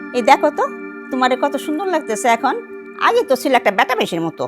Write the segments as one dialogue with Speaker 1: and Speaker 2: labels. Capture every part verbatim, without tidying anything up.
Speaker 1: এই দেখো তো তোমারে কত সুন্দর লাগতেছে এখন। আগে তো ছিল একটা বেটা বেশির মতো।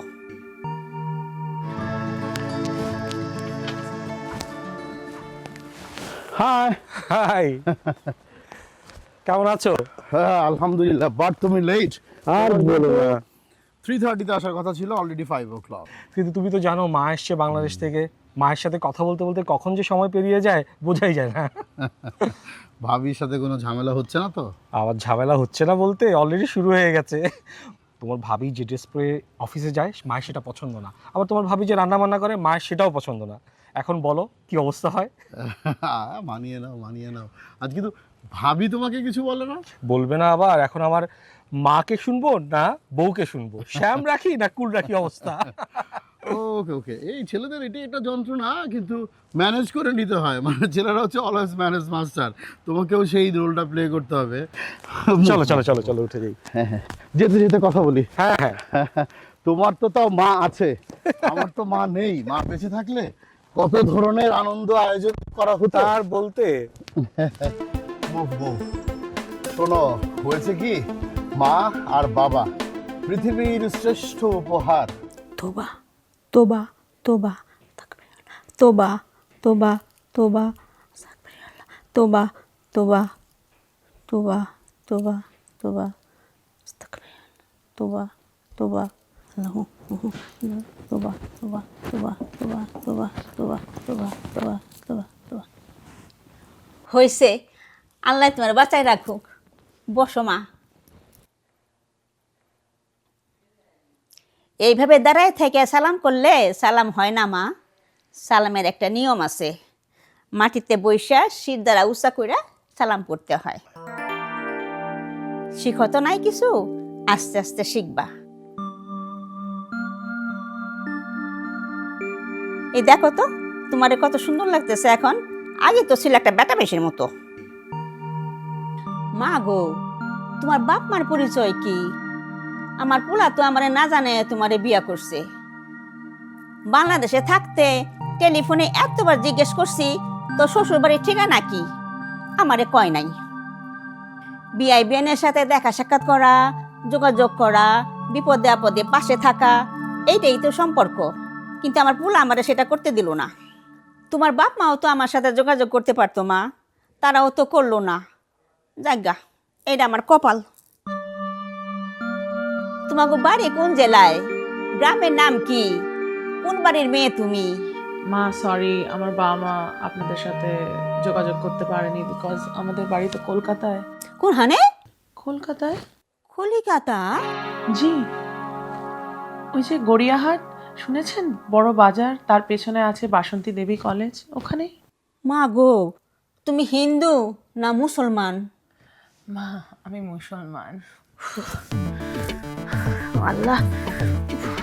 Speaker 2: হাই
Speaker 3: হাই, কেমন আছো?
Speaker 2: হ্যাঁ আলহামদুলিল্লাহ, বাট তুমি লেট।
Speaker 3: আর বলো না।
Speaker 2: থ্রি থার্টিতে আসার কথা ছিল, অলরেডি ফাইভ ও ক্লক।
Speaker 3: কিন্তু তুমি তো জানো মা এসছে বাংলাদেশ থেকে, মায়ের সাথে কথা বলতে বলতে কখন যে সময় পেরিয়ে যায় বোঝাই যায় না।
Speaker 2: ভাবির সাথে কোনো ঝামেলা হচ্ছে না তো?
Speaker 3: আবার ঝামেলা হচ্ছে না বলতে অলরেডি শুরু হয়ে গেছে। তোমার ভাবি যে ড্রেস পরে অফিসে যায় মায়ের সেটা পছন্দ না, আবার তোমার ভাবি যে রান্না বান্না করে মায়ের সেটাও পছন্দ না। এখন বলো কি অবস্থা হয়?
Speaker 2: মানিয়ে নাও মানিয়ে নাও। আজ কিন্তু ভাবি তোমাকে কিছু বলে না?
Speaker 3: বলবে না আবার? এখন আমার মাকে শুনবো না বউকে শুনবো, শ্যাম রাখি না কুল রাখি অবস্থা।
Speaker 2: ওকে ওকে, এই ছেলেদের এটাই একটা যন্ত্রণা, কিন্তু ম্যানেজ করে নিতে হয়। মানে ছেলেরা হচ্ছে অলওয়েজ ম্যানেজ মাস্টার, তোমাকেও সেই রোলটা প্লে করতে হবে।
Speaker 3: চলো চলো চলো চলো উঠে যাই।
Speaker 2: হ্যাঁ হ্যাঁ, যেতে যেতে কথা বলি।
Speaker 3: হ্যাঁ হ্যাঁ,
Speaker 2: তোমার তো তাও মা আছে, আমার তো মা নেই। মা বেঁচে থাকলে কত ধরনের আনন্দ আয়োজন করা হতো।
Speaker 3: তার বলতে
Speaker 2: মুভ মুভ। শোনো, হয়েছে কি, মা আর বাবা পৃথিবীর শ্রেষ্ঠ উপহার।
Speaker 1: তোবা তোবা তোবা তোবা তোবা তোবা তোবা তোবা তোবা তোবা তোবা তোবা তোবা আল্লাহু তোবা তোবা তোবা তোবা তোবা তোবা তোবা তোবা তোবা তোবা। হয়েছে, আল্লাহ তোমার বাঁচায় রাখুক। বসো মা। এইভাবে দাঁড়ায় থেকে সালাম করলে সালাম হয় না মা। সালামের একটা নিয়ম আছে, মাটিতে বৈশা শির দ্বারা উঁচা কইরা সালাম করতে হয়। শিখো তো নাই কিছু, আস্তে আস্তে শিখবা। এই দেখো তো তোমারে কত সুন্দর লাগতেছে এখন। আগে তো ছিল একটা বেটা বেশির মতো। মা গো, তোমার বাপ মার পরিচয় কি? আমার পোলা তো আমারে না জানে তোমারে বিয়া করছে। বাংলাদেশে থাকতে টেলিফোনে এতবার জিজ্ঞেস করছি তো শ্বশুর বাড়ির ঠিকানা কি, আমারে কয় নাই। বিআই বিএনের সাথে দেখা সাক্ষাৎ করা, যোগাযোগ করা, বিপদে আপদে পাশে থাকা, এইটাই তো সম্পর্ক। কিন্তু আমার পোলা আমারে সেটা করতে দিল না। তোমার বাপ মাও তো আমার সাথে যোগাযোগ করতে পারতো মা, তারাও তো করলো না। যাজ্ঞা, এইটা আমার কপাল। তোমাকে বাড়ি কোন জেলায়? গ্রামের নাম কি? কোন বাড়ির মেয়ে তুমি?
Speaker 4: মা সরি, আমার বাবা মা আপনাদের সাথে যোগাযোগ করতে পারেনি বিকজ আমাদের বাড়ি তো কলকাতায়।
Speaker 1: কোনখানে?
Speaker 4: কলকাতায়?
Speaker 1: কলিকাতা?
Speaker 4: জি, ওই যে গড়িয়াহাট শুনেছেন, বড় বাজার, তার পেছনে আছে বাসন্তী দেবী কলেজ, ওখানেই।
Speaker 1: মা গো, তুমি হিন্দু না মুসলমান?
Speaker 4: মা আমি মুসলমান।
Speaker 1: আল্লাহ,